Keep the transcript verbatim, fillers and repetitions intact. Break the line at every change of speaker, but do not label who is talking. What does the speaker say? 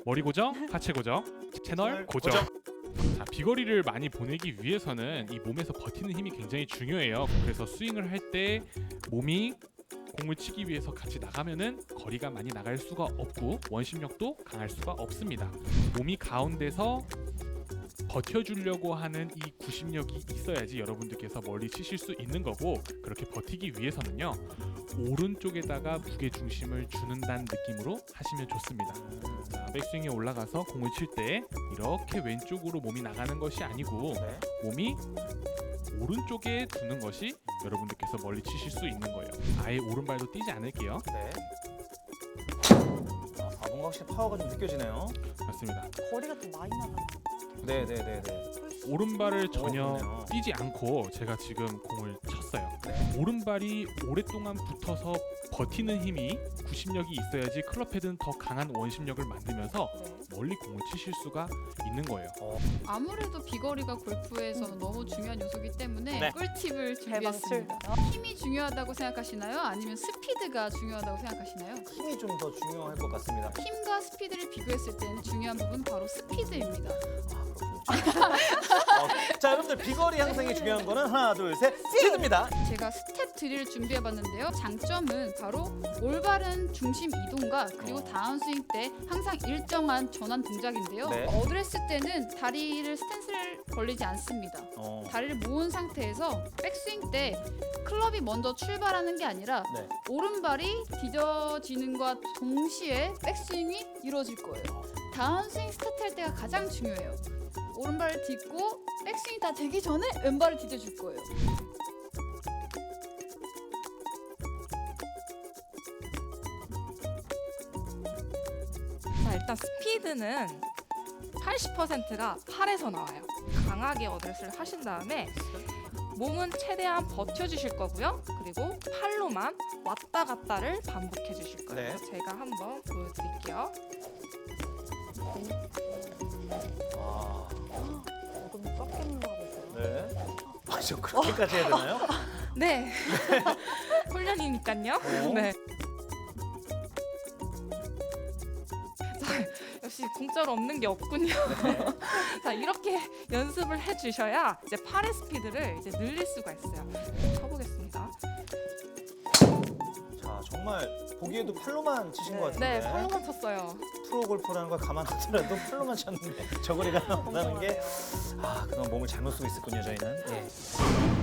머리 고정, 하체 고정, 채널 고정. 자, 비거리를 많이 보내기 위해서는 이 몸에서 버티는 힘이 굉장히 중요해요. 그래서 스윙을 할 때 몸이 공을 치기 위해서 같이 나가면은 거리가 많이 나갈 수가 없고 원심력도 강할 수가 없습니다. 몸이 가운데서 버텨주려고 하는 이 구심력이 있어야지 여러분들께서 멀리 치실 수 있는 거고, 그렇게 버티기 위해서는요 오른쪽에다가 무게 중심을 주는다는 느낌으로 하시면 좋습니다. 자, 백스윙에 올라가서 공을 칠 때 이렇게 왼쪽으로 몸이 나가는 것이 아니고
네.
몸이 오른쪽에 두는 것이 여러분들께서 멀리 치실 수 있는 거예요. 아예 오른발도 뛰지 않을게요.
네. 아, 뭔가 확실히 파워가 좀 느껴지네요.
맞습니다.
거리가 좀 많이 나가요.
네네네네.
오른발을 전혀
오, 그러네요.
뛰지 않고 제가 지금 공을 쳤어요.
네.
오른발이 오랫동안 붙어서 버티는 힘이 구심력이 있어야지 클럽 헤드는 더 강한 원심력을 만들면서
네.
멀리 공을 치실 수가 있는 거예요.
아무래도 비거리가 골프에서는 너무 중요한 요소이기 때문에
네.
꿀팁을
대방출.
준비했습니다. 힘이 중요하다고 생각하시나요? 아니면 스피드가 중요하다고 생각하시나요?
힘이 좀 더 중요할 것 같습니다.
힘과 스피드를 비교했을 때는 중요한 부분 바로 스피드입니다.
아, 그렇군요. 어, 자, 여러분들 비거리 향상이 중요한 거는 하나, 둘, 셋, 스피드입니다.
제가 스텝 드릴을 준비해봤는데요. 장점은 바로 올바른 중심 이동과 그리고
어.
다운스윙 때 항상 일정한 전환 동작인데요.
네.
어드레스 때는 다리를 스탠스를 벌리지 않습니다.
어,
다리를 모은 상태에서 백스윙 때 클럽이 먼저 출발하는 게 아니라
네.
오른발이 뒤져지는과 동시에 백스윙이 이루어질 거예요. 다운스윙 스타트할 때가 가장 중요해요. 오른발을 딛고 백스윙이 다 되기 전에 왼발을 디뎌줄 거예요.
자, 일단 스피드는 팔십 퍼센트가 팔에서 나와요. 강하게 어드레스를 하신 다음에 몸은 최대한 버텨주실 거고요. 그리고 팔로만 왔다 갔다를 반복해 주실 거예요.
네.
제가 한번 보여드릴게요.
아,
조금 꺾이는 거 같아요.
네. 아, 저 그렇게까지 해야 되나요?
네. 훈련이니까요.
오.
네. 자, 역시 공짜로 없는 게 없군요.
네.
자, 이렇게 연습을 해주셔야 이제 팔의 스피드를 이제 늘릴 수가 있어요. 쳐보겠습니다.
자, 정말 보기에도 팔로만 치신
네.
것 같은데.
네, 팔로만 쳤어요.
프로 골프라는 걸 감안하더라도 팔로만 쳤는데 저 거리가 나온다는 게, 아, 그동안 몸을 잘못 쓰고 있었군요, 저희는. 예.